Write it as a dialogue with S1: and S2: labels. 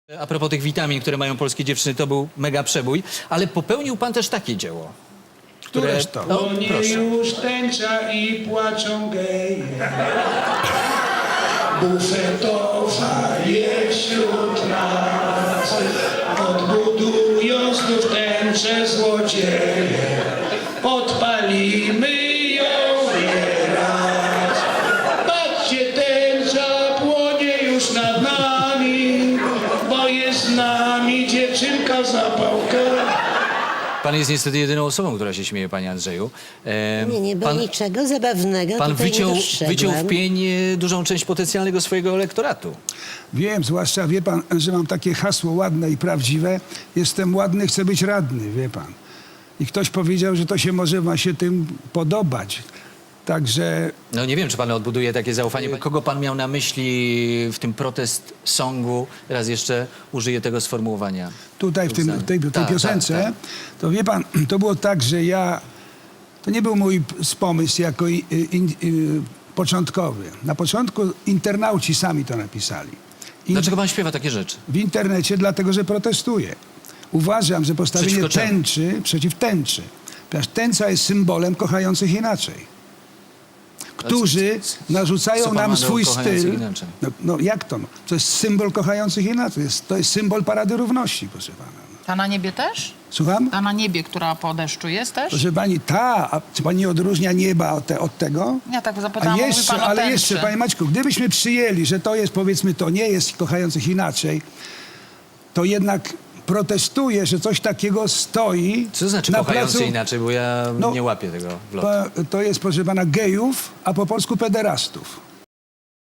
S1: A propos tych witamin, które mają polskie dziewczyny, to był mega przebój, ale popełnił pan też takie dzieło.
S2: Któreż to?
S1: No,
S3: Płonie
S1: proszę.
S3: już tęcza i płaczą geje. Bufetowa jest wśród nas. Odbudują znów tęczę złodzieje. Podpalimy ją nieraz. Patrzcie, tęcza płonie już nad nami, bo jest z nami dziewczynka zapałka.
S1: Pan jest niestety jedyną osobą, która się śmieje, panie Andrzeju.
S4: Nie było niczego zabawnego.
S1: Pan
S4: tutaj nie
S1: wyciął w
S4: dostrzegłam.
S1: pień dużą część potencjalnego swojego elektoratu.
S2: Wiem, zwłaszcza wie pan, że mam takie hasło ładne i prawdziwe. Jestem ładny, chcę być radny, wie pan. I ktoś powiedział, że to się może ma się tym podobać. Także
S1: No nie wiem, czy pan odbuduje takie zaufanie. Kogo pan miał na myśli w tym protest songu? Raz jeszcze użyję tego sformułowania.
S2: tutaj w tej
S1: Tak,
S2: piosence,
S1: tak.
S2: to wie pan, to było tak, że to nie był mój pomysł jako początkowy. Na początku internauci sami to napisali.
S1: Dlaczego pan śpiewa takie rzeczy?
S2: W internecie, dlatego że protestuję. Uważam, że postawienie
S1: Przeciwko czemu?
S2: tęczy przeciw tęczy. Ponieważ tęcza jest symbolem kochających inaczej. Którzy narzucają
S1: co pan
S2: nam
S1: ma do
S2: swój
S1: kochających
S2: styl.
S1: inaczej?
S2: No jak to? No? To jest symbol kochających inaczej. To jest symbol Parady Równości, proszę pana.
S5: Ta na niebie też?
S2: Słucham?
S5: Ta na niebie, która po deszczu jest też?
S2: Proszę pani, a czy pani nie odróżnia nieba od tego?
S5: Ja tak
S2: A
S5: zapytałam, mówi
S2: jeszcze,
S5: pan o
S2: ale
S5: tęczy.
S2: jeszcze, panie Maćku, gdybyśmy przyjęli, że to jest, powiedzmy, to nie jest kochających inaczej, to jednak protestuję, że coś takiego stoi
S1: Co to znaczy
S2: na
S1: kochający
S2: placu.
S1: inaczej, bo ja
S2: No,
S1: nie łapię tego w lotu.
S2: To jest, proszę pana, gejów, a po polsku pederastów.